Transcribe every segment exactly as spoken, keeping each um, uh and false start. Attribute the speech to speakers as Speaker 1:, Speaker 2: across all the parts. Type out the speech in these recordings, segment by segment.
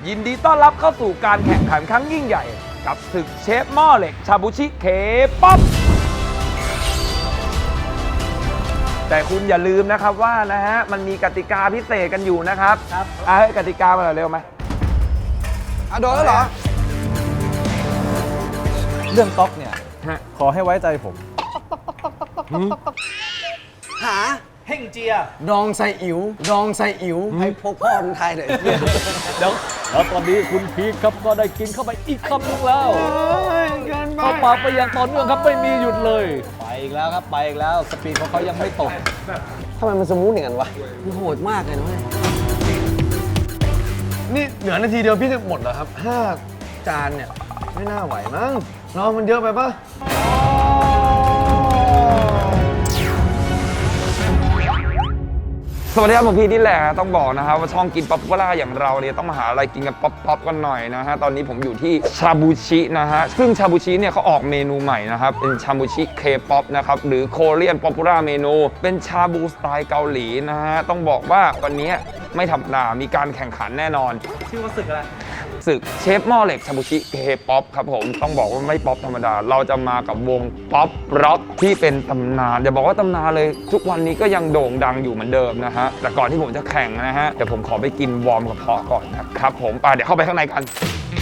Speaker 1: ยินดีต้อนรับเข้าสู่การแข่งขันครั้งยิ่งใหญ่กับศึกเชฟหม้อเหล็กชาบูชิเคป๊อปแต่คุณอย่าลืมนะครับว่านะฮะมันมีกติกาพิเศษกันอยู่นะครับครับอ่ะให้กติกามาหน่อยเร็วไหมอ่ะโดนแล้วเหรอ
Speaker 2: เรื่องต๊อกเนี่ยขอให้ไว้ใจผม
Speaker 3: หา
Speaker 2: เฮ่งเจีย
Speaker 3: ดองไซอิ๋วดองไซอิ๋วให้พวกพ่อมันไทยเลย
Speaker 2: เดี๋ยวแล้วตอนนี้คุณพีคครับก็ได้กินเข้าไปอีกคำนึงแล้วเข้าปากไปอย่างต่อเนื่องครับไม่มีหยุดเลยไปอีกแล้วครับไปอีกแล้วสปีดของเขายังไม่ตก
Speaker 3: ทำไมมันสมูทอย่างนั้นวะมันโหดมากเลยนะ
Speaker 4: นี่เหลือนาทีเดียวพี่จะหมดเหรอครับห้าจานเนี่ยไม่น่าไหวมั้งน้องมันเยอะไปปะ
Speaker 1: สวัสดีครับผมพี่นี่แหละต้องบอกนะครับว่าช่องกินป๊อปปูล่าอย่างเราเนี่ยต้องมาหาอะไรกินกันป๊อปป๊อปกันหน่อยนะฮะตอนนี้ผมอยู่ที่ชาบูชินะฮะซึ่งชาบูชิเนี่ยเขาออกเมนูใหม่นะครับเป็นชาบูชิเคป๊อปนะครับหรือโคเรียนป๊อปปูล่าเมนูเป็นชาบูสไตล์เกาหลีนะฮะต้องบอกว่าวันนี้ไม่ธรรมดามีการแข่งขันแน่นอน
Speaker 2: ชื่อว่าศึกอะไร
Speaker 1: ศึกเชฟหม้อเหล็กชาบูชิเคป๊อปครับผมต้องบอกว่าไม่ป๊อปธรรมดาเราจะมากับวงป๊อปร็อกที่เป็นตำนานอย่าบอกว่าตำนานเลยทุกวันนี้ก็ยังโด่งดังอยู่เหมือนเดิมนะฮะแต่ก่อนที่ผมจะแข่งนะฮะเดี๋ยวผมขอไปกินวอร์มกระเพาะก่อนนะครับผมไปเดี๋ยวเข้าไปข้างในกัน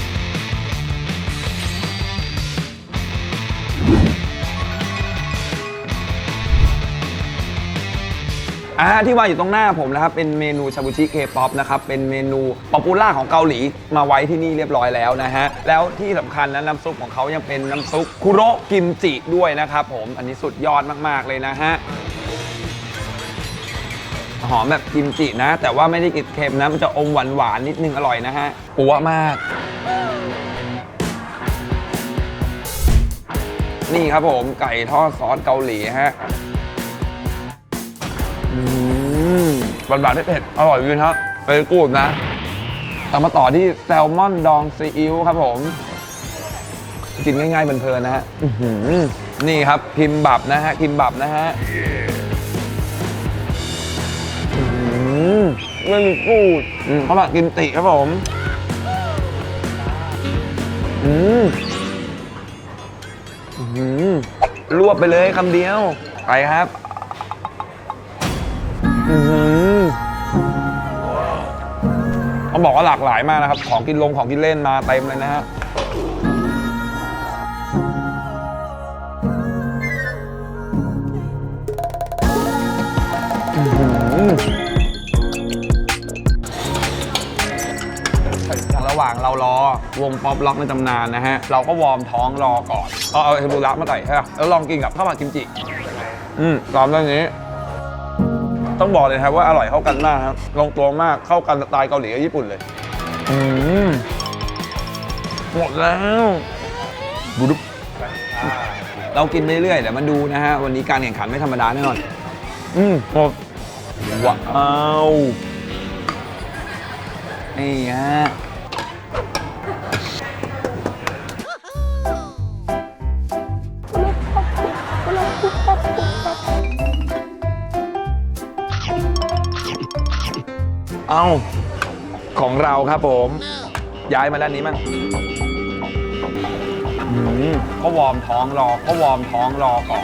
Speaker 1: อ่าที่วางอยู่ตรงหน้าผมนะครับเป็นเมนูชาบูชิเคป๊อปนะครับเป็นเมนูป๊อปปูล่าของเกาหลีมาไว้ที่นี่เรียบร้อยแล้วนะฮะแล้วที่สำคัญนะน้ำซุปของเขายังเป็นน้ำซุปคุโระกิมจิด้วยนะครับผมอันนี้สุดยอดมากๆเลยนะฮะหอมแบบกิมจินะแต่ว่าไม่ได้กลิ่นเค็มนะมันจะอมหวานหวานนิดนึงอร่อยนะฮะปัวมากนี่ครับผมไก่ทอดซอสเกาหลีฮะหวานหวานเผ็ดอร่อยจริงครับเป็นกูดนะตามมาต่อที่แซลมอนดองซีอิ๊วครับผมกินง่ายๆเพลินๆนะฮะนี่ครับคิมบับนะฮะคิมบับนะฮะไม่มีกูดเขาแบบกินติครับผมอืมรวบไปเลยคำเดียวไปครับต้องบอกว่าหลากหลายมากนะครับของกินลงของกินเล่นมาเต็มเลยนะฮะระหว่างเรารอวงป๊อปล็อกในตำนานนะฮะเราก็วอร์มท้องรอก่อนเอาเอาเทมปุระมาใส่ใช่ไหมแล้วลองกินกับข้าวผัดกิมจิอืมตามเรื่องนี้ต้องบอกเลยครับว่าอร่อยเข้ากันมากครับลงตัวมากเข้ากันสไตล์เกาหลีกับญี่ปุ่นเลยอืมหมดแล้วบูดุ๊บเรากินไปเรื่อยเดี๋ยวมาดูนะฮะวันนี้การแข่งขันไม่ธรรมดาแน่นอนอืมหมดว้าวนี่ฮะเอาของเราครับผมย้ายมาด้านนี้มั้งก็วอร์มท้องรอก็วอร์มท้องรอก่อน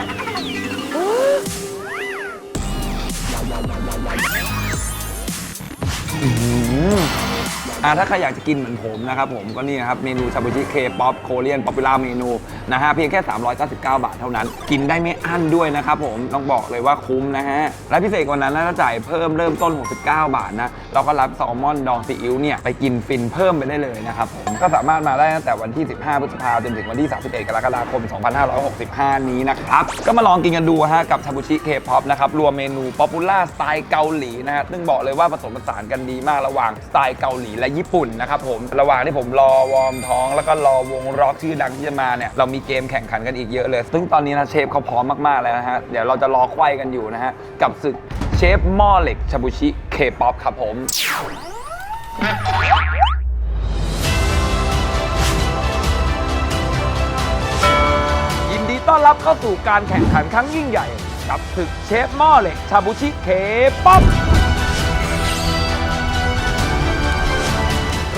Speaker 1: อ่าถ้าใครอยากจะกินเหมือนผมนะครับผมก็นี่ครับเมนูชาบูชิเคป๊อปโคเรียนป๊อปปูล่าเมนูนะฮะเพียงแค่สามร้อยเก้าสิบเก้าบาทเท่านั้นกินได้ไม่อั้นด้วยนะครับผมต้องบอกเลยว่าคุ้มนะฮะและพิเศษกว่านั้นนะถ้าจ่ายเพิ่มเริ่มต้นหกสิบเก้าบาทนะเราก็รับแซลมอนดองซีอิ๊วเนี่ยไปกินฟินเพิ่มไปได้เลยนะครับผมก็สามารถมาได้ตั้งแต่วันที่สิบห้าพฤษภาคมจนถึงวันที่สามสิบเอ็ดกรกฎาคมสองพันห้าร้อยหกสิบห้านี้นะครับก็มาลองกินกันดูฮะกับชาบูชิเคป๊อปนะครับรวมเมนูป๊อปปูล่าสไตล์เกาหลีนะฮะซึ่งบอกเลยว่าผสมผสานกันดีมากระหว่างสไตล์เกาหลีและญี่ปุ่นนะครับผมระหว่างที่ผมรอวอร์มท้องแล้วก็รอวงร็อกชื่อดังที่จะมาเนี่ยเรามีเกมแข่งขันกันอีกเยอะเลยซึ่งตอนนี้นะเชฟเขาพร้อมมากๆแล้วนะฮะเดี๋ยวเราจะรอไขว้กันอยู่นะฮะกับศึกเชฟหม้อเหล็กชาบูชิเคป๊อปครับผมยินดีต้อนรับเข้าสู่การแข่งขันครั้งยิ่งใหญ่กับศึกเชฟหม้อเหล็กชาบูชิเคป๊อป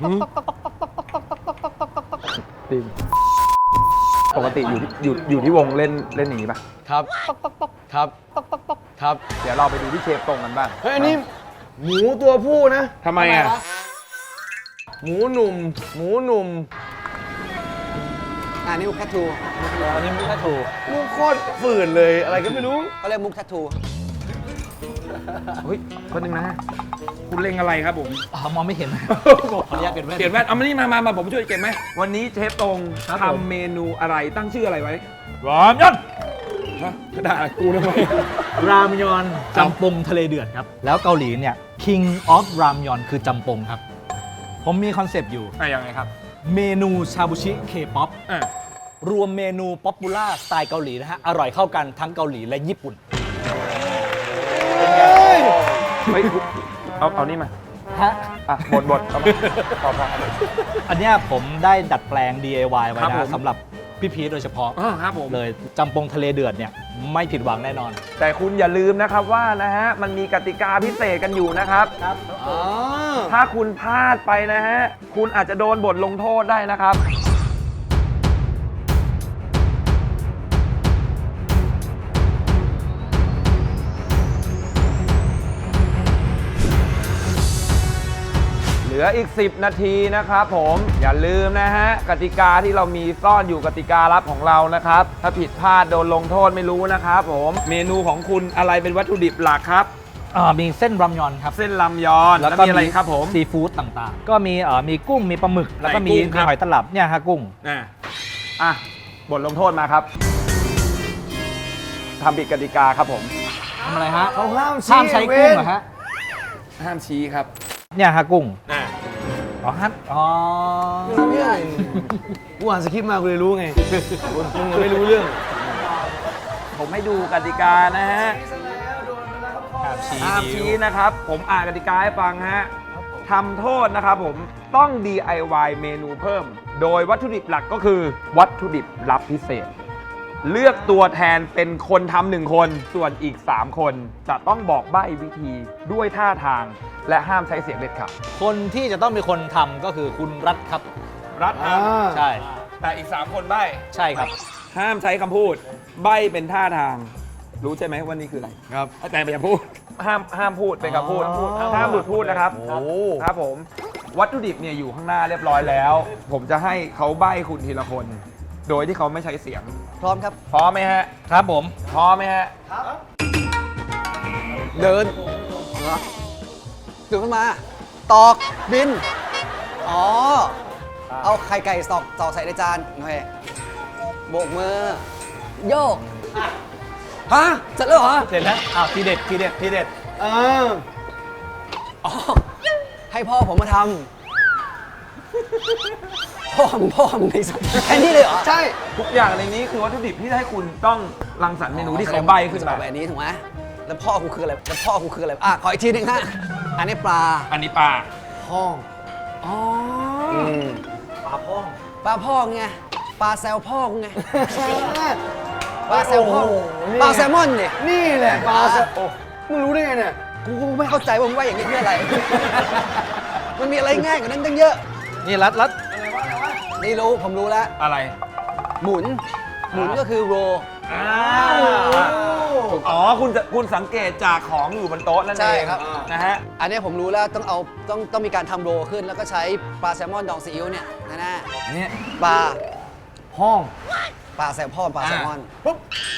Speaker 2: หืม
Speaker 1: จริงปกติอยู่ที่อยู่อยู่ที่วงเล่นเล่นอย่างนี้ปะ
Speaker 4: ครับครับครับ
Speaker 1: เดี๋ยวเราไปดูที่เชฟตรงกันบ้าง
Speaker 4: เฮ้ยอันนี้หมูตัวผู้นะ
Speaker 1: ทำไมอ่ะ
Speaker 4: หมูหนุ่ม หมูหนุ่ม
Speaker 3: อ่านี่มุกแททู
Speaker 2: อันนี้มุกแททู
Speaker 4: ลูกโคตรฝืนเลยอะไรก็ไม่รู้
Speaker 3: เขาเรียกมุกแททู
Speaker 1: เฮ้ยคนหนึ่งนะ คุณเล็งอะไรครับผม
Speaker 2: อ่ามองไม่เห็นขออนุญาตเปลี่ยนแว่น
Speaker 1: เปลี่ยนแว่นเอามานี่มามามาผมช่วยเก็บไหมวันนี้เชฟตรง
Speaker 2: ครับผม
Speaker 1: ทำเมนูอะไรตั้งชื่ออะไรไว้
Speaker 2: รามยอน
Speaker 1: ฮะด่ากูทำไม
Speaker 2: รามยอนจำปงทะเลเดือดครับ แล้วเกาหลีเนี่ย King of รามยอนคือจำปงครับ ผมมีคอนเซปต์อยู่
Speaker 1: อ่ะยังไงครับ
Speaker 2: เมนูชาบูชิเคป๊อป
Speaker 1: อ่ะ
Speaker 2: รวมเมนูป๊อปปูล่าสไตล์เกาหลีนะฮะ อร่อยเข้ากันทั้งเกาหลีและญี่ปุ่น
Speaker 1: เฮ้ยเอาเอานี่มา
Speaker 2: ฮะ
Speaker 1: อ่ะบดบดเอามาพอพอ
Speaker 2: อันเนี้ยผมได้ดัดแปลง ดี ไอ วาย ไว้
Speaker 1: ครับผม
Speaker 2: นะสำหรับพี่พีทโดยเฉพาะ
Speaker 1: อ๋อครับผม
Speaker 2: เลยจำปงทะเลเดือดเนี่ย ไม่ผิดหวังแน่นอน
Speaker 1: แต่คุณอย่าลืมนะครับว่านะฮะมันมีกติกาพิเศษกันอยู่นะครับ
Speaker 4: อ๋อ
Speaker 1: ถ้าคุณพลาดไปนะฮะคุณอาจจะโดนบทลงโทษได้นะครับ เหลืออีก สิบ นาทีนะครับผมอย่าลืมนะฮะกติกาที่เรามีซ่อนอยู่กติกาลับของเรานะครับ ถ้าผิดพลาดโดนลงโทษไม่รู้นะครับผมเมนูของคุณอะไรเป็นวัตถุดิบหลักครับ
Speaker 2: อ่ามีเส้นรามยอนครับ
Speaker 1: เส้นลำยอนแล้วมีอะไรครับผม
Speaker 2: ซีฟู้ดต่างๆ ก็มีเอ่อมีกุ้งมีปลาหมึก แล้วก็มี
Speaker 1: ไหนกุ้งครับ
Speaker 2: มีหอยตลับเนี่ยฮะกุ้ง
Speaker 1: อ่ะอ่ะบทลงโทษมาครับทำผิดกติกาครับผม
Speaker 2: ทำอะไรฮะ
Speaker 4: เขาห้าม
Speaker 2: ห้ามใช้
Speaker 4: เว้
Speaker 2: กุ้ง
Speaker 4: น
Speaker 2: เหรอฮะ
Speaker 1: ห้ามชี้ครับ
Speaker 2: เนี่ยฮะกุ้ง
Speaker 1: อ่ะ
Speaker 2: อ๋อฮะอ๋อ
Speaker 4: เนี่ยกูอ่านสคริปต์มากูเลยรู้ไงมึงไม่รู้เรื่อง
Speaker 1: ผมให้ดูกติกานะฮะ
Speaker 2: ห้ามชี้
Speaker 1: ห้าม
Speaker 2: นิ้
Speaker 1: ชี้
Speaker 2: ว
Speaker 1: นะครับ ผมอ่านกติกาให้ฟังฮะทำโทษนะครับผมต้อง ดี ไอ วาย เมนูเพิ่ม โดยวัตถุดิบหลักก็คือ วัตถุดิบลับพิเศษ เลือกตัวแทนเป็นคนทำหนึ่งคน ส่วนอีก สาม คนจะต้องบอกใบ้วิธีด้วยท่าทาง และห้ามใช้เสียงเด็ดขาด
Speaker 2: คนที่จะต้องเป็นคนทำก็คือคุณรัฐครับ
Speaker 1: รัด
Speaker 4: อ่า
Speaker 2: ใช่
Speaker 1: แต่อีก สาม คนใบ้
Speaker 2: ใช่ครับ
Speaker 1: ห้ามใช้คำพูด ใบ้เป็นท่าทาง รู้ใช่ไหมว่านี่คืออะไร
Speaker 4: ครับ
Speaker 1: แต่อย่าพูด ห้ามห้ามพูดเป็นคำพูด
Speaker 4: อ๋อ
Speaker 1: ห้ามหลุดพูดนะครับ
Speaker 4: โอ้
Speaker 1: ครับผม วัตถุดิบเนี่ยอยู่ข้างหน้าเรียบร้อยแล้ว ผมจะให้เขาใบ้คุณทีละคน โดยที่เขาไม่ใช้เสียง
Speaker 3: พร้อมครับ
Speaker 1: พร้อมไหมฮะ
Speaker 2: ครับผม
Speaker 1: พร้อมไหมฮะ
Speaker 3: เดินเหรอตื่นขึ้นมา ตอก บิน อ๋อ เอาไข่ไก่ตอกตอกใส่ในจาน โอเค โบกมือ โยก ฮะ เสร็จแล้วเหรอ
Speaker 2: เสร็จแล้วอ้าวทีเด็ดทีเด็ดทีเด็ด
Speaker 4: อ่า
Speaker 3: อ๋อ ให้พ่อผมมาทำ พ่อมึงพ่อมึงในสัตว์แค่นี้เลยเหรอ
Speaker 4: ใช่
Speaker 1: ทุกอย่างในนี้คือวัตถุดิบที่ให้คุณต้องรังสรรค์เมนูที่เขาใบ้ขึ้น
Speaker 3: จะ
Speaker 1: มา
Speaker 3: แบบอันนี้ถูกไหมแล้วพ่อกูคืออะไร แล้วพ่อกูคืออะไร อ่ะ ขออีกทีหนึ่งฮะ อันนี้ปลา
Speaker 1: อันนี้ปลา
Speaker 4: ห้อง
Speaker 3: อ๋อ
Speaker 4: อืม
Speaker 2: ปลาพ่อง
Speaker 3: ปลาพ่อไง ปลาแซลพ่อไง ปลาแซลพ่อ
Speaker 4: โอ้โหนี่
Speaker 3: ปลาแซลมอนเนี่ย
Speaker 4: นี่แหละปลาสะโอ้มึงรู้ได้ไงเนี่ย
Speaker 3: กูก็ไม่เข้าใจว่ามึงว่าอย่างนี้เพื่ออะไร มันมีอะไรง่ายกว่านั้นตั้งเยอะ
Speaker 2: นี่รัดรัด
Speaker 3: นี่รู้ ผมรู้แล้ว
Speaker 1: อะไร
Speaker 3: หมุน หมุนก็คือโร
Speaker 1: อ๋อ คุณจะคุณสังเกตจากของอยู่บนโต๊ะนั่นเอง
Speaker 3: ใช่ครับ
Speaker 1: นะฮะ
Speaker 3: อันนี้ผมรู้แล้วต้องเอาต้องต้องมีการทำโรขึ้น แล้วก็ใช้ปลาแซลมอนดองซีอิ๊วเนี่ยนะนะ
Speaker 1: เนี่ย
Speaker 3: ปลา
Speaker 4: ห้อง
Speaker 3: ปลาแซลพ่อปลาแซลมอน
Speaker 4: ปุ๊บ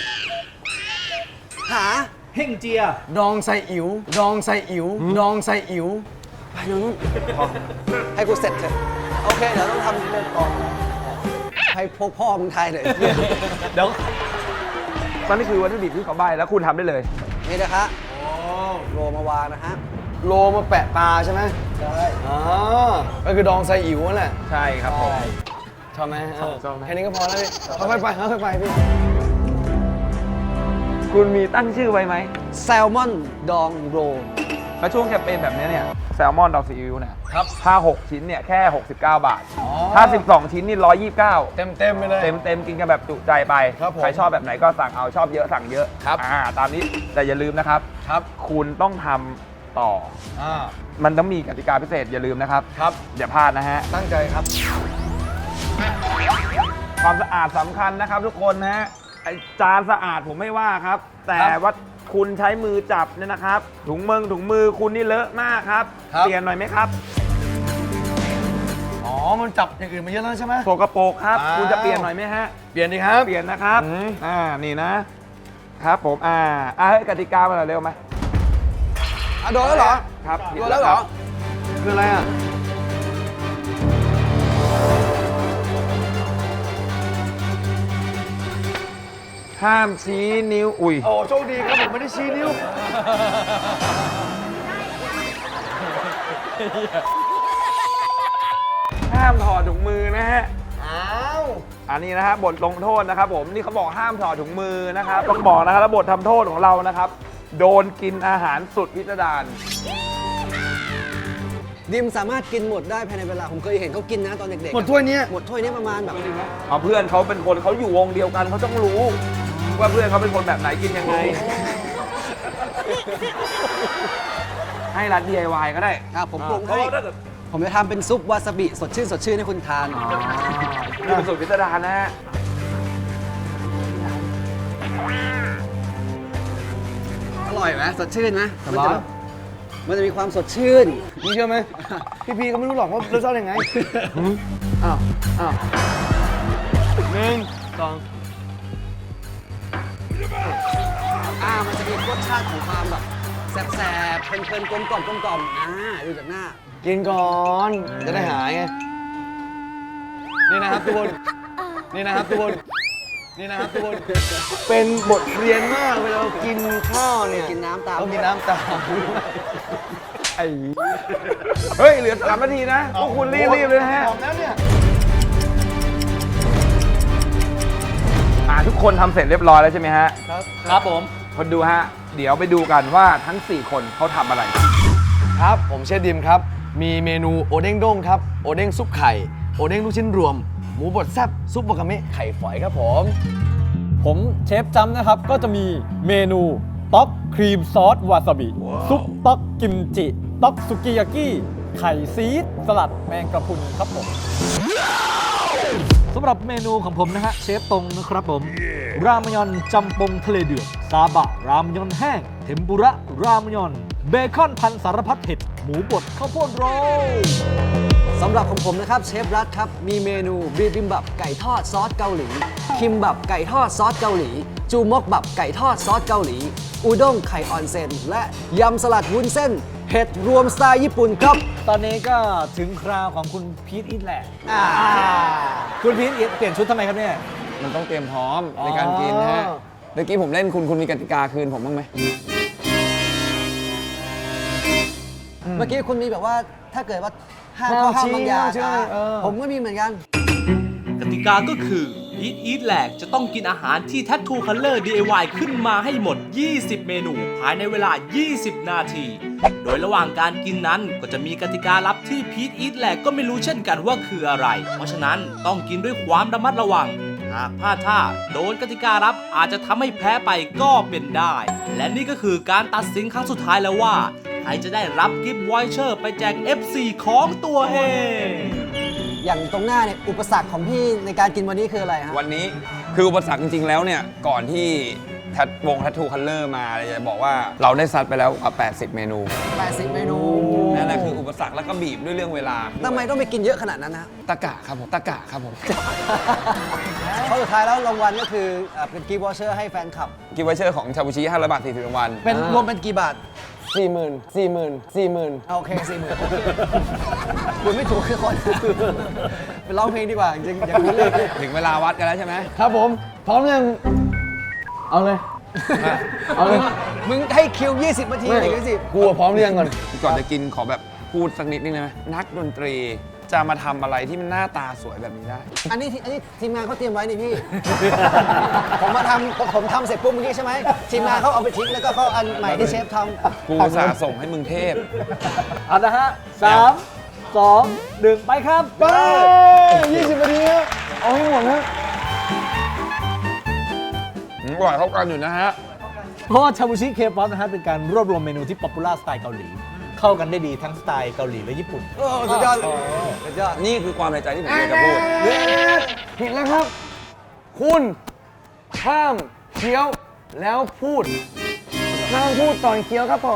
Speaker 3: หา
Speaker 2: เฮ่งเจีย
Speaker 4: ดองไซอิ๋ว ดองไซอิ๋ว ดองไซอิ๋ว
Speaker 3: ไปนู่นให้กูเสร็จเถอะโอเค เดี๋ยวต้องทำเรื่องก่อนให้พวกพ่อมึงไทยเลย
Speaker 2: เดี๋ยว
Speaker 1: นั่นนี่คือวัตถุดิบที่เขาใบ้แล้วคุณทำได้เลย
Speaker 3: นี่นะคะโรมาวางนะฮะ
Speaker 4: โลมาแปะปลาใช่ไหมใช่อ๋อก็คือดองไซอิ๋วนั่นแหละ
Speaker 1: ใช่ครับผม
Speaker 4: ชอบไหมเออ
Speaker 1: ชอบไหม
Speaker 4: แค่นี้ก็พอแล้วพี่ค่อยๆไปค่อยๆไปพี่
Speaker 1: คุณมีตั้งชื่อไว้ไหม
Speaker 3: แซลมอนดองโร
Speaker 1: แล้วช่วงแคมเปญแบบนี้เนี่ยแซลมอนดอกซีอิ๊วเนี่ยครับถ้าหกชิ้นเนี่ยแค่หกสิบเก้าบาท ถ้าสิบสองชิ้นนี่หนึ่งร้อยยี่สิบเก้า
Speaker 4: เต็มเต็มๆไปเลย
Speaker 1: เต็มเต็มกินกันแบบจุใจไป
Speaker 4: ครับผม
Speaker 1: ใครชอบแบบไหนก็สั่งเอาชอบเยอะสั่งเยอะ
Speaker 4: ครับ
Speaker 1: อ่าตามนี้แต่อย่าลืมนะครับ
Speaker 4: ครับ
Speaker 1: คุณต้องทำต่อ
Speaker 4: อ่า
Speaker 1: มันต้องมีกติกาพิเศษอย่าลืมนะครับ
Speaker 4: ครับ
Speaker 1: อย่าพลาดนะฮะ
Speaker 4: ตั้งใจครับ
Speaker 1: ความสะอาดสำคัญนะครับทุกคนนะฮะไอจานสะอาดผมไม่ว่าครับ แต่ว่าคุณใช้มือจับเนี่ยนะครับ ถุงมือถุงมือคุณนี่เลอะมากครับ
Speaker 4: ครับ
Speaker 1: เปลี่ยนหน่อยไหมครับ
Speaker 4: อ๋อ มันจับอย่างอื่นมาเยอะแล้วใช่ไหม
Speaker 1: โสกโปรกครับ
Speaker 4: อ้าว
Speaker 1: คุณจะเปลี่ยนหน่อยไหมฮะ
Speaker 4: เปลี่ยนดีครับ
Speaker 1: เปลี่ยนนะครับ
Speaker 4: อืม
Speaker 1: อ่า นี่นะ ครับผม อ่า อ่าเฮ้ยกติกามาหน่อยเร็วไหม
Speaker 3: อ่ะโดนแล้วเหรอ
Speaker 1: ครับ
Speaker 3: โดนแล้วเหรอ
Speaker 4: คืออะไรอ่ะ
Speaker 1: ห้ามชี้นิ้ว อุ้ย
Speaker 4: โอ้โชคดีครับผมไม่ได้ชี้นิ้ว
Speaker 1: ห้ามถอดถุงมือนะฮะ
Speaker 4: อ้าว
Speaker 1: อันนี้นะฮะบทลงโทษนะครับผม นี่เขาบอกห้ามถอดถุงมือนะครับ ต้องบอกนะครับแล้วบททำโทษของเรานะครับ โดนกินอาหารสุดพิสดาร
Speaker 3: ดิมสามารถกินหมดได้ภายในเวลา ผมเคยเห็นเขากินนะตอนเด็กๆ
Speaker 4: หมดถ้วยเนี้ย
Speaker 3: หมดถ้วยนี้ประมาณแบบ
Speaker 1: เอาเพื่อนเขาเป็นคนเขาอยู่วงเดียวกันเขาต้องรู้ ว่าเพื่อนเขาเป็นคนแบบไหนกินยังไง ให้รัด ดี ไอ วาย ก็ได้
Speaker 3: อ่ะผมปรุง
Speaker 1: เพราะ
Speaker 3: ให้
Speaker 1: ว่าถ้าเกิด
Speaker 3: ผมจะทำเป็นซุปวาซาบิสดชื่นสดชื่นให้คุณทาน
Speaker 1: นี่เป็นสูตรพิสดารนะฮะ
Speaker 3: อร่อยไหมสดชื่นไหม
Speaker 4: ส
Speaker 3: มัน
Speaker 4: บาย
Speaker 3: จะแบบมันจะมีความสดชื่น
Speaker 4: นี่เชื่อไหม พี่พีเขาไม่รู้หรอกว่ารสชาติยังไง อ้าว อ้าวหนึ่งสอง
Speaker 3: อ่า มันจะมีรสชาติของความแบบแสบๆเพลินๆกลมกล่อมกลมกล่อมอ่าดูจากหน้า
Speaker 4: กินก่อน จะได้หายไง นี่นะครับทุกคน นี่นะครับทุกคน นี่นะครับทุกคน เป็นบทเรียนมากเวลาเรากินข้าวเนี่ย
Speaker 3: กินน้ำตาม
Speaker 4: ต้องกินน้ำตาม
Speaker 1: ไอ้เฮ้ย เหลือสามนาทีนะ พวกคุณรีบๆเลยนะฮะ
Speaker 4: หอมแล้วเนี่ย
Speaker 1: อ่าทุกคนทำเสร็จเรียบร้อยแล้วใช่ไหมฮะ
Speaker 2: ครับผม
Speaker 1: คนดูฮะ เดี๋ยวไปดูกันว่าทั้ง สี่ คนเขาทำอะไร
Speaker 4: ครับ ผมเชฟดิมครับ มีเมนูโอเด้งด้งครับ โอเด้งซุปไข่ โอเด้งลูกชิ้นรวม หมูบดแซ่บ ซุปบะกะเมะไข่ฝอยครับผม
Speaker 2: ผมเชฟจำนะครับ ก็จะมีเมนูต๊อกครีมซอสวาซาบิ ซุปต๊อกกิมจิ ต๊อกสุกิยากิ ไข่ซีดสลัดแมงกระพรุนครับผมสำหรับเมนูของผมนะฮะเชฟตรงนะครับผม รามยอนจำปงทะเลเดือด ซาบะ รามยอนแห้ง เทมปุระ รามยอน เบคอนพันสารพัดเห็ด หมูบดข้าวโพดโรล
Speaker 3: สำหรับของผมนะครับเชฟรัฐครับ มีเมนูบิบิมบับไก่ทอดซอสเกาหลี คิมบับไก่ทอดซอสเกาหลี จูมกบับไก่ทอดซอสเกาหลี อุด้งไข่ออนเซนและยำสลัดวุ้นเส้น เห็ดรวมสไตล์ญี่ปุ่นครับ
Speaker 2: ตอนนี้ก็ถึงคราวของคุณพีทอิทแหละ
Speaker 3: อ่า
Speaker 2: คุณพีทอิทเปลี่ยนชุดทำไมครับเนี่ย
Speaker 1: มันต้องเตรียมพร้อม
Speaker 2: อ๋อ
Speaker 1: ในการกินนะฮะ เมื่อกี้ผมเล่นคุณคุณมีกติกาคืนผมบ้างไหม
Speaker 3: เมื่อกี้คุณมีแบบว่าถ้าเกิดว่าห้าม
Speaker 4: ห้าม
Speaker 3: ข้อห้าม
Speaker 4: ชี้
Speaker 3: บางอย่าง
Speaker 4: ห้ามชี้
Speaker 3: อ่ะ
Speaker 4: เออ
Speaker 3: ผมก็มีเหมือนกัน
Speaker 5: กติกาก็คือพีทอีทแหลกจะต้องกินอาหารที่ Tattoo Color ดี ไอ วาย ขึ้นมาให้หมด ยี่สิบ เมนู ภายในเวลา ยี่สิบ นาที โดยระหว่างการกินนั้นก็จะมีกติกาลับที่พีทอีทแหลกก็ไม่รู้เช่นกันว่าคืออะไร เพราะฉะนั้นต้องกินด้วยความระมัดระวัง หากพลาดท่าโดนกติกาลับอาจจะทำให้แพ้ไปก็เป็นได้ และนี่ก็คือการตัดสินครั้งสุดท้ายแล้วว่าใครจะได้รับกิฟต์วอยเชอร์ไปแจก เอฟ ซี ของตัวเอง
Speaker 3: อย่างตรงหน้าเนี่ยอุปสรรคของพี่ในการกินวันนี้คืออะไรฮะ
Speaker 1: วันนี้คืออุปสรรคจริง ๆ แล้วเนี่ย ก่อนที่แททวงทัตทูคัลเลอร์มาเลยจะบอกว่าเราได้ซัดไปแล้วกว่า แปดสิบ เมนู
Speaker 3: แปดสิบ เมนู
Speaker 1: นั่นแหละคืออุปสรรคแล้วก็บีบด้วยเรื่องเวลา
Speaker 3: ทำไมต้องไปกินเยอะขนาดนั้นนะ
Speaker 1: ตะกะครับผม ตะกะครับผม
Speaker 3: เพราะสุดท้ายแล้วรางวัลก็คือเอ่อเป็นกีวอเชอร์ให้แฟนคลับ
Speaker 1: กิฟต์วอเชอร์ของชาบูชิห้าร้อยบาทสี่สิบรางวัล
Speaker 3: เป็นรวมเป็นกี่บาท
Speaker 4: สี่หมื่นสี่หมื่นสี่หมื่น
Speaker 3: โอเคสี่หมื่นคุณไม่ถูกคือคน ไปร้องเพลงดีกว่า จริงๆอย่าพูดเลย
Speaker 1: ถึงเวลาวัดกันแล้วใช่ไหม
Speaker 4: ครับผม พร้อมยัง เอาเลย เอาเลย
Speaker 3: มึงให้คิว ยี่สิบ นาทีหรือสิ
Speaker 4: กูอะพร้อมเรียงก่อน
Speaker 1: ก่อนจะกินขอแบบพูดสักนิดนึงได้ไหมนักดนตรีจะมาทำอะไรที่มันหน้าตาสวยแบบนี้ได้
Speaker 3: อันนี้ที่อันนี้ทีมงานเขาเตรียมไว้นี่พี่ ผมมาทำผมทำเสร็จปุ๊บเมื่อกี้ใช่ไหมทีมงานเขาเอาไปทิ้งแล้วก็เขาอันใหม่ที่เชฟทำ
Speaker 1: กูสาส่งให้มึงเทพ
Speaker 2: เอาละฮะสามสองหนึ่งไปครับ
Speaker 4: ไปยี่สิบนาทีครับเอาให้หมดฮะ
Speaker 1: อืมอร่อยเข้ากันอยู่นะฮะ
Speaker 2: เพราะว่าชาบูชิเคป๊อปนะฮะเป็นการรวบรวมเมนูที่ป๊อปปูล่าสไตล์เกาหลี เข้ากันได้ดีทั้งสไตล์เกาหลีและญี่ปุ่น
Speaker 3: โอ้สุดยอดสุดยอด
Speaker 1: นี่คือความในใจที่ผมอยากจะพูด
Speaker 4: ผิดแล้วครับคุณห้ามเคี้ยวแล้วพูดห้ามพูดตอนเคี้ยวครับผม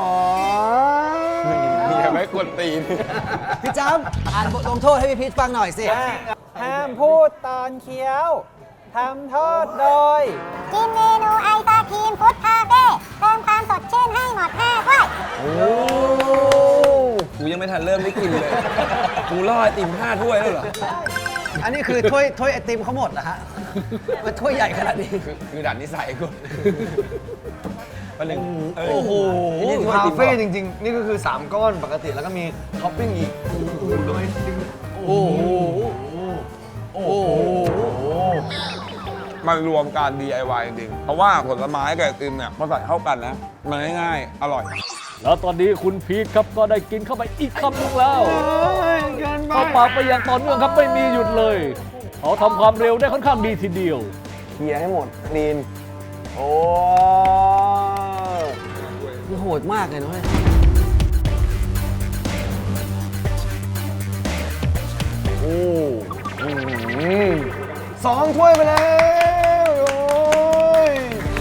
Speaker 1: อย่าไม่กวนตีน
Speaker 3: พี่จ้ำอ่านบทลงโทษให้พี่พีทฟังหน่อยสิ
Speaker 6: ห้ามพูดตอนเคี้ยวทำโทษโดย
Speaker 7: กินเมนูไอศครีมฟุตคาเฟ่เติมความสดชื่นให้หมดห้าถ้วย
Speaker 1: โอ้กูยังไม่ทันเริ่มได้กินเลย กูล่อไอติมห้าถ้วยแล้วเหรอ
Speaker 3: อันนี้คือถ้วยถ้วยไอติมเขาหมดเหรอฮะ มันถ้วยใหญ่ขนาดนี้
Speaker 1: คือคือดัดนิสัยกูวันหนึ่งเ
Speaker 4: โอ้โห
Speaker 1: นี่ถ้วยไอ
Speaker 4: คา
Speaker 1: ติม
Speaker 4: เฟ่
Speaker 1: เหรอ
Speaker 4: จริงๆ นี่ก็คือ สาม ก้อนปกติแล้วก็มีท็อปปิ้งอีก โอ้โหโอ้โห
Speaker 1: มันรวมการ ดี ไอ วาย จริงๆ เพราะว่าผลไม้กับไอติมเนี่ยมาใส่เข้ากันนะ มันง่ายๆ อร่อย
Speaker 2: แล้วตอนนี้คุณพีทครับก็ได้กินเข้าไปอีกคำหนึงแล้วเข้าปากไปอย่างต่อเนื่องครับไม่มีหยุดเลยเขาทำความเร็วได้ค่อนข้างดีทีเดียว
Speaker 4: เคลียร์ให้หมดคลีน โอ้
Speaker 3: มันโหดมากเลยนะเว้ย
Speaker 4: โอ้อืมสองถ้วยไปแล้ว โอ้ย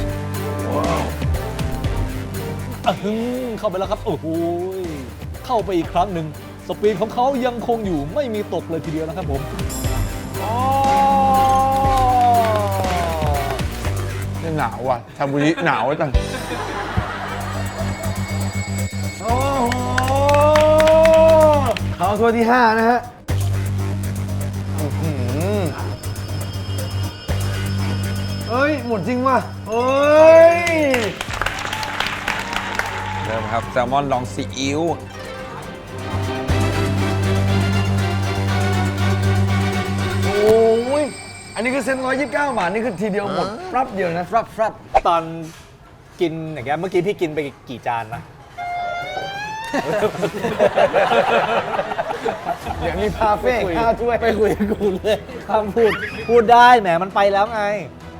Speaker 2: อะฮึ่มเข้าไปแล้วครับ โอ้โหเข้าไปอีกครั้งหนึ่งสปีดของเขายังคงอยู่ไม่มีตกเลยทีเดียวนะครับผม
Speaker 1: นี่หนาวว่ะชาบูริหนาวจัง
Speaker 4: โอ้โหเขาถ้วยที่ห้านะฮะอื้อหือเอ้ย หมดจริงว่ะเอ้ย
Speaker 1: เริ่มครับ แซลมอนลองซีอิ๊ว
Speaker 4: โอ้ย อันนี้คือเซ็นร้อยยี่สิบเก้าบาท นี่คือทีเดียวหมดรับเดียวนะ
Speaker 3: ครับครับ
Speaker 2: ตอนกินอย่างเงี้ยเมื่อกี้พี่กินไปกี่จานนะ
Speaker 4: เดี๋ยวมีพาเฟ่ห้าถ้วย
Speaker 2: ไปคุยกับกูเลยห้ามพูด พูดได้แหมมันไปแล้วไง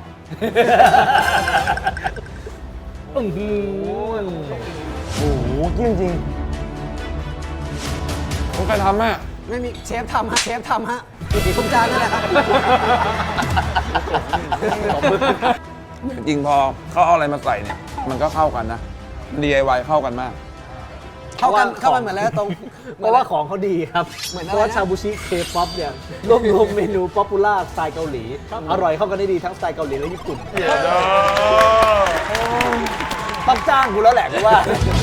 Speaker 2: อื้อหือ
Speaker 4: โอ้โหเที่ยงจริง
Speaker 1: คุณใครทำแม่
Speaker 3: ไม่มีเชฟทำฮะ เชฟทำฮะคุณจานนั่นแหละครับ
Speaker 1: จริงๆ พอเขาเอาอะไรมาใส่เนี่ย มันก็เข้ากันนะ ดี ไอ วาย เข้ากันมาก
Speaker 3: เข้ากันเข้ากันเหมือนแล้วตรง
Speaker 2: เพราะว่าของเขาดีครับ
Speaker 3: เหมือน
Speaker 2: เพ
Speaker 3: อะไรนะ
Speaker 2: ราะว่าชาบูชิเคป๊อปเนี่ยรวบรวมเมนูป๊อปปูล่าสไตล์เกาหลี อร่อยเข้ากันได้ดีทั้งสไตล์เกาหลีและญี่ปุ่นต้องจ้างกูแล้วแหละกูว่า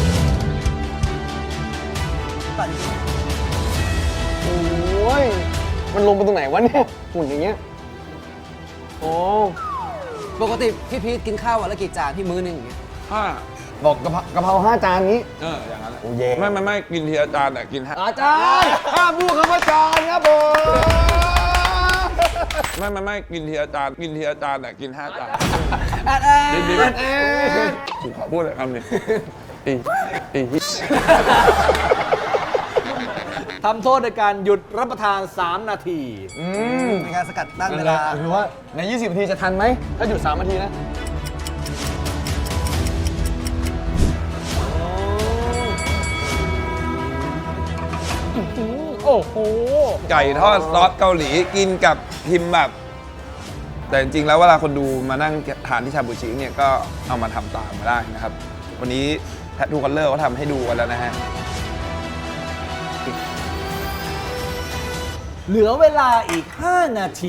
Speaker 4: โอ้ย มันลงไปตรงไหนวะเนี่ยหุ่นอย่างเงี้ย โอ้
Speaker 3: ปกติพี่พีทกินข้าววันละกี่จานพี่มื้อหนึงอย่างเงี้ย
Speaker 1: ห้า
Speaker 4: บอกกะเพรากะเพราห้าจานนี้
Speaker 1: เออ อย่างนั้นแหละ
Speaker 4: โอ้เย่
Speaker 1: ไม่ไม่ไม่กินทีละจานแต่กินห้า
Speaker 4: อาจารย์ห้ามพูดคำว่าจานครับผม
Speaker 1: ไม่ไม่ไม่กินทีละจานกินทีละจานแต่กินห้าจาน
Speaker 3: แอดแอด
Speaker 1: ดีดี
Speaker 4: เอ๊ะ
Speaker 1: กูขอพูดเลยคำหนึ่งอีอี
Speaker 2: ทำโทษในการหยุดรับประทาน สาม นาที
Speaker 4: อืม
Speaker 3: ในการสกัดตั้ง
Speaker 4: นั่
Speaker 3: เวน
Speaker 4: แหละ
Speaker 3: ลา
Speaker 4: คือว่าใน ยี่สิบ นาทีจะทันไหม ถ้าหยุดสามนาทีนะ
Speaker 2: โอ้โห
Speaker 1: ไก่ทอดซอสเกาหลีกินกับพิมพ์แบบ แต่จริงๆแล้วเวลาคนดูมานั่งทานที่ชาบูชิเนี่ยก็เอามาทำตามมาได้นะครับ วันนี้แททูคัลเลอร์เขาทำให้ดูกันแล้วนะฮะ
Speaker 2: เหลือเวลาอีก ห้า นาที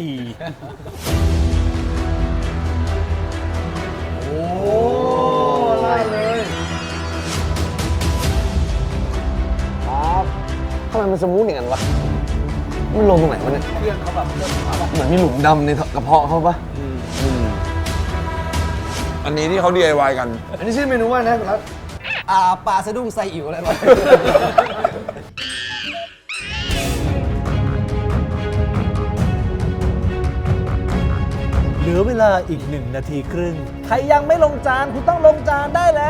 Speaker 4: โอ้ไล่เลยครับทำไมมันสมูทอย่างนั้นวะ มันลงตรงไหนวะเนี่ย
Speaker 2: เครื่องเขาแบบเริ่มขาแบบ
Speaker 4: เหมือนมีหลุมดำในกระเพาะเขาปะ
Speaker 1: อันนี้ที่เขา ดี ไอ วาย กัน
Speaker 4: อันนี้ชื่อเมนูว่านะคุณรัฐ
Speaker 3: อ่าปลาสะดุ้งไซอิ๋วอะไรวะ
Speaker 2: เหลือเวลาอีกหนึ่งนาทีครึ่ง ใครยังไม่ลงจาน คุณต้องลงจานได้แล้ว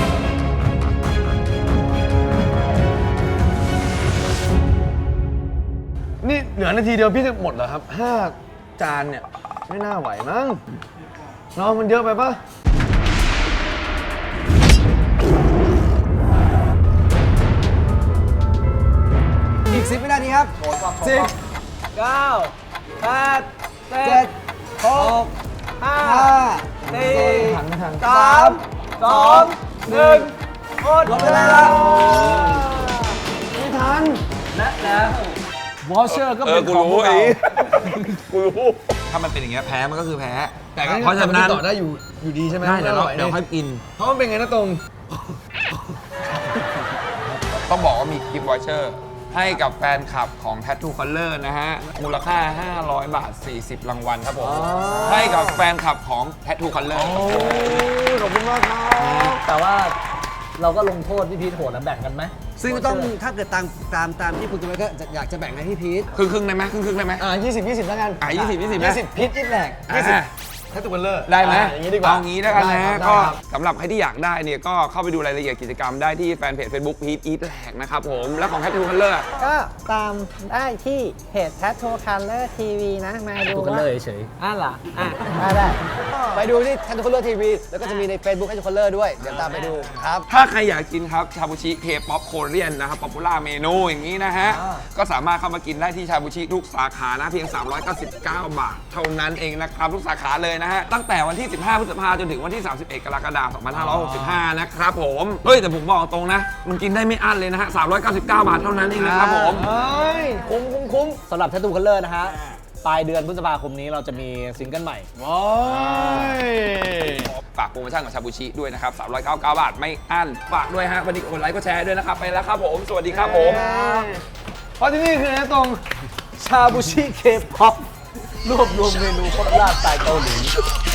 Speaker 4: นี่เหลือนาทีเดียวพี่จะหมดเหรอครับห้าจานเนี่ย ไม่น่าไหวมั้งเนาะมันเยอะไปปะ
Speaker 3: อีกสิบวินาทีครับสิบ
Speaker 2: เก้า แปด
Speaker 3: เจ็ดหกสามสองหนึ่งหมดเวลา
Speaker 4: ไม่ทัน
Speaker 3: และแล้ว
Speaker 2: วอเชอร์ก็
Speaker 1: เอ
Speaker 2: เป็
Speaker 1: อน กู
Speaker 2: ของพ
Speaker 1: รู้
Speaker 2: วกเรา
Speaker 1: ไอ้กูรู้ ถ้ามันเป็นอย่างเงี้ยแพ้มันก็คือแพ้ แต่ก็เพราะฉะนั้น
Speaker 4: ต่อได้อยู่อยู่ดีใช่ไหม
Speaker 1: ได้เดี๋ยวเรา
Speaker 4: ออย
Speaker 1: เดี๋ยวค่อยกิน
Speaker 4: เพราะมันเป็นไงนะตรง
Speaker 1: ต้องบอกว่ามีกิฟต์วอเชอร์ให้กับแฟนคลับของ Tattoo Color นะฮะ มูลค่า ห้าร้อย บาท สี่สิบ รางวัลครับผม ให้กับแฟนคลับของ Tattoo Color
Speaker 4: ขอบคุณมากครับ
Speaker 2: แต่ว่าเราก็ลงโทษพี่พีทโหดแล้วแบ่งกันไหม
Speaker 3: ซึ่งต้องถ้าเกิดตามตามตามที่คุณกันไว้ก็อยากจะแบ่งให้พี่พีท
Speaker 1: ครึ่งครึ่งๆได้ไหมครึ่งครึ่งๆได้ไหม
Speaker 4: อ่ายี่สิบ ยี่สิบแล้วกัน
Speaker 1: อ่ะยี่สิบ ยี่สิบ
Speaker 4: ยี่สิบพิษยี่แหลกยี่สิบ
Speaker 1: อ่ะ
Speaker 4: แค่ตัวเบลเลอร์
Speaker 1: ได้ไหม
Speaker 4: อย่างนี้ดีกว่า
Speaker 1: เอางี้แล้วกันนะ
Speaker 4: ได้ครับ
Speaker 1: ก็
Speaker 4: ได้ครับ
Speaker 1: สำหรับใครที่อยากได้เนี่ยก็เข้าไปดูรายละเอียดกิจกรรมได้ที่แฟนเพจ Facebook พีทอีทแหลกนะครับผม และของ Tattoo Color อ่ะ
Speaker 6: ก็ตามได้ที่เพจ Tattoo Color ที วี นะ มาดู
Speaker 2: ดูกัน
Speaker 6: ว่า
Speaker 2: เลยเฉย
Speaker 6: อ่ะเหรออ่ะได้ได้
Speaker 3: ไปดูที่ Tattoo Color ที วี แล้วก็จะมีใน Facebook Tattoo Color ด้วย เดี๋ยวตามไปดูครับ
Speaker 1: ถ้าใครอยากกินครับชาบูชิเคป๊อปโคเรียนนะครับป๊อปปูล่าเมนูอย่างนี้นะฮะ ก็สามารถเข้ามากินได้ที่ชาบูชิทุกสาขานะเพียง สามร้อยเก้าสิบเก้า บาท เท่านั้นเองนะครับ ทุกสาขาเลยนะฮะ ตั้งแต่วันที่ สิบห้า พฤษภาคมจนถึงวันที่ สามสิบเอ็ด กรกฎาคม สองพันห้าร้อยหกสิบห้า นะครับผม เฮ้ย แต่ผมบอกตรงนะ มันกินได้ไม่อั้นเลยนะฮะ สามร้อยเก้าสิบเก้า บาทเท่านั้นเองนะครับผม
Speaker 4: เฮ้ย คุ้มคุ้มคุ้ม
Speaker 2: สำหรับ Tattoo Color นะฮะ ปลายเดือนพฤษภาคมนี้เราจะมีซิงเกิลใหม่
Speaker 4: ว้าย
Speaker 1: ฝากโปรโมชั่นของชาบูชิด้วยนะครับ สามร้อยเก้าสิบเก้า บาทไม่อั้น ฝากด้วยฮะ วันนี้กดไลค์กดแชร์ด้วยนะครับ ไปแล้วครับผม สวัสดีครับผม
Speaker 4: เพราะที่นี่คือนะตรง
Speaker 2: ชาบูชิเคป๊อปรวบรวมเมนูโคตรลาดสไตล์เกาหลี